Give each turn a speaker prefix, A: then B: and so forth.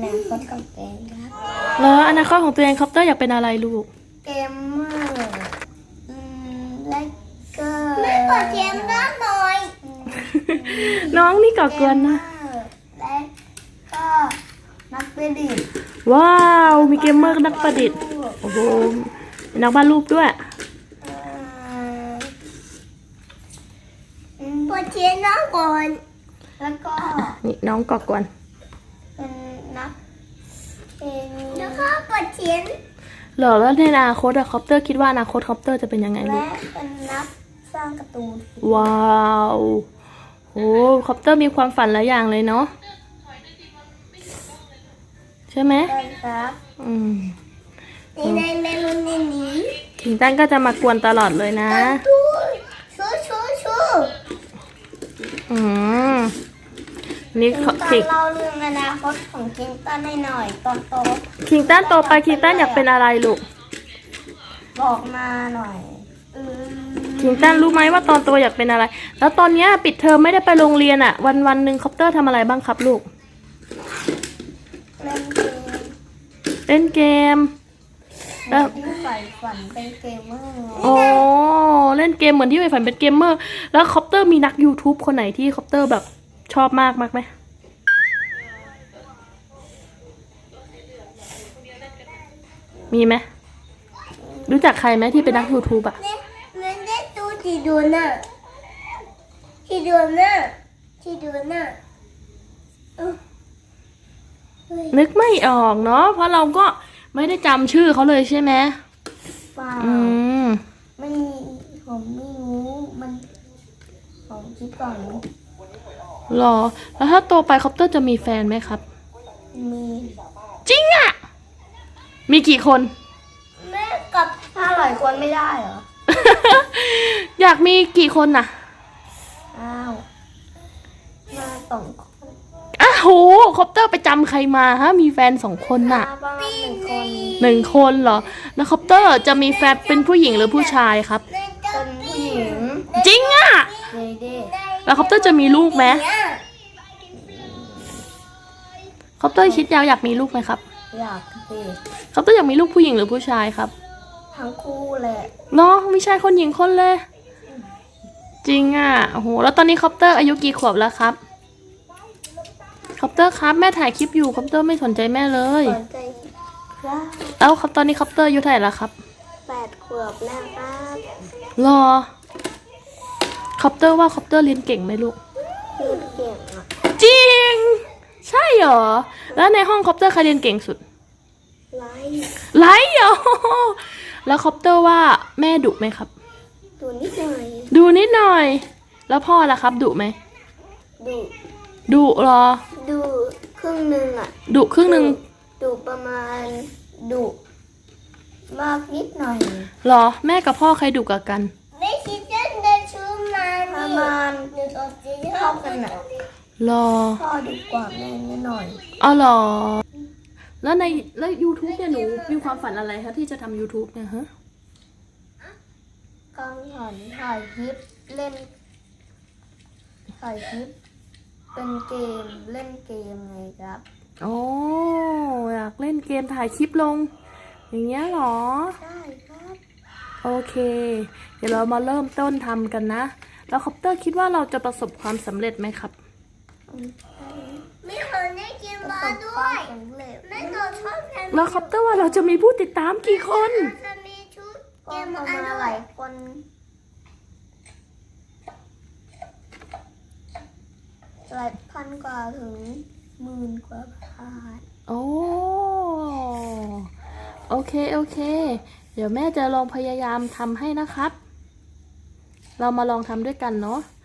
A: นาคตของตัวเองครับ
B: แล้วอนาคตของตัวเองคอปเตอร์อยากเป็นอะไรลูก
A: เกมเมอร์และก็ไม่กดเกมด้านหน่อย
B: น้องนี่ก่อกวนนะ
A: และก็นักประดิษฐ์
B: ว้าวมีเกมเมอร์นักประดิษฐ์โอ้โหมีนักวาดรูปด้วย
A: กดเชียร์น้องก่อนแล้วก็
B: นี่น้องก่อกวน
A: เป็นนักเป็นแล้วก็กดเชียร์
B: เหรอแล้วในอนาคตอะคอปเตอร์คิดว่าอนาคตคอปเตอร์จะเป็นยังไงลู
A: และ
B: ก
A: เป็นนักสร้างการ์ตูน
B: ว้าวโอ้คอปเตอร์มีความฝันหลายอย่างเลยเนาะใช่ไหม
A: ได้ครับ นี่ในเมนูนี้
B: คิงตันก็จะมากวนตลอดเลยนะ
A: ตู้ชู
B: อืมนี่
A: คิงตัน
B: คิง
A: เล่าเรื่องอนาคตของคิงตันให้หน่อยตอนโต
B: คิงตันโตไปคิงตันอยากเป็นอะไรลูก
A: บอกมาหน่อย
B: คิงตันรู้ไหมว่าตอนโตอยากเป็นอะไร แล้วตอนเนี้ยปิดเทอมไม่ได้ไปโรงเรียนอะวันหนึ่งคอปเตอร์ทำอะไรบ้างครับลูก
A: เล่นเกม
B: เล่นเกม แล้ว
A: ที่ใฝ่ฝันเป็นเกมเมอร์
B: โอ้เล่นเกมเหมือนที่ไปฝันเป็นเกมเมอร์ แล้วคอปเตอร์มีนัก YouTube คนไหนที่คอปเตอร์แบบชอบมากไหมมีไหมรู้จักใครไหมที่เป็นนัก YouTube อะ
A: เนี่ยมันได้ตู้ที่ดูน่ะ
B: นึกไม่ออกเนาะเพราะเราก็ไม่ได้จำชื่อเขาเลยใช่ไหม
A: เปล่า
B: อืม
A: ไม่มีผมไม่รู้มันผมคิดก่อน
B: หรอ แล้วถ้าโตไปคอปเตอร์จะมีแฟนไหมครับ
A: มี
B: จริงอะมีกี่คน
A: แม่กับ500 คนไม่ได้เหรอ
B: อยากมีกี่คนน่ะ
A: อ้าวมา2 คน
B: อ้าวโหคอปเตอร์ไปจำใครมาฮะ มีแฟน2 คนน่ะ
A: ประมาณ1 คน
B: 1 คนเหรอ แล้วคอปเตอร์จะมีแฟนเป็นผู้หญิงหรือผู้ชายครับ
A: เป็นผู้หญิง
B: จริงอะ
A: เด้
B: แล้วคอปเตอร์จะมีลูกไหมคอปเตอร์คิดยาวอยากมีลูกไหมครับ
A: อยากสิ
B: คอปเตอร์อยากมีลูกผู้หญิงหรือผู้ชายครับ
A: ทั้งคู่แหละ
B: เนาะไม่ใช่คนหญิงคนเลย จริงอ่ะโอ้โหแล้วตอนนี้คอปเตอร์อายุกี่ขวบแล้วครับคอปเตอร์ครับแม่ถ่ายคลิปอยู่คอปเตอร์ไม่สนใจแม่เลย
A: สนใจครับ
B: แล้วครับตอนนี้คอปเตอร์อายุเท่าไหร่แล้วครับ
A: 8 ขวบแล้วครับ
B: รอคอปเตอร์ว่าคอปเตอร์เรียนเก่งไหมลูก
A: พูดเก่งอ่ะ
B: จริง ใช่เหรอแล้วในห้องคอปเตอร์ใครเรียนเก่งสุด
A: ไล
B: ไลท์เหรอแล้วคอปเตอร์ว่าแม่ดุไหมครับ
A: ตัวนิดหน่อย
B: ดูนิดหน่อย แล้วพ่อล่ะครับดุไหม
A: ดู
B: ดุเหรอ
A: ดูครึ่งหนึ่งอ่ะ
B: ดุครึ่งหนึ่ง
A: ดูประมาณดูมากนิดหน่อย
B: เหรอแม่กับพ่อใครดุกว่ากัน
A: ไม่คิดจะเดินชูมาประมาณเท่ากันอ่ะ
B: เหรอ
A: พ่อดีกว่าแม่นิดหน่อย
B: อ๋อเหรอแล้ว YouTube เนี่ยหนูมีความฝันอะไรคะที่จะทำ YouTube เนี่ยฮะ
A: กังหันถ่ายคลิปเล่นถ่ายคลิปเป็นเกมเล่นเกมไงครับ
B: โอ้อยากเล่นเกมถ่ายคลิปลง อย่างเงี้ยเหรอ
A: ใช่ครับ
B: โอเค เดี๋ยวเรามาเริ่มต้นทำกันนะ แล้วคอปเตอร์คิดว่าเราจะประสบความสำเร็จไหมครับ
A: ไม่เคยได้กินมาด้วยไม่เคยชอบแพน
B: แล้วคอปเตอร์ว่าเราจะมีผู้ติดตามกี่คน
A: จะมีชุดเกมประมาณหลายคนหลายพันกว่าถึง10,000 กว่าพัน
B: โอ้โอเค เดี๋ยวแม่จะลองพยายามทำให้นะครับ เรามาลองทำด้วยกันเนาะ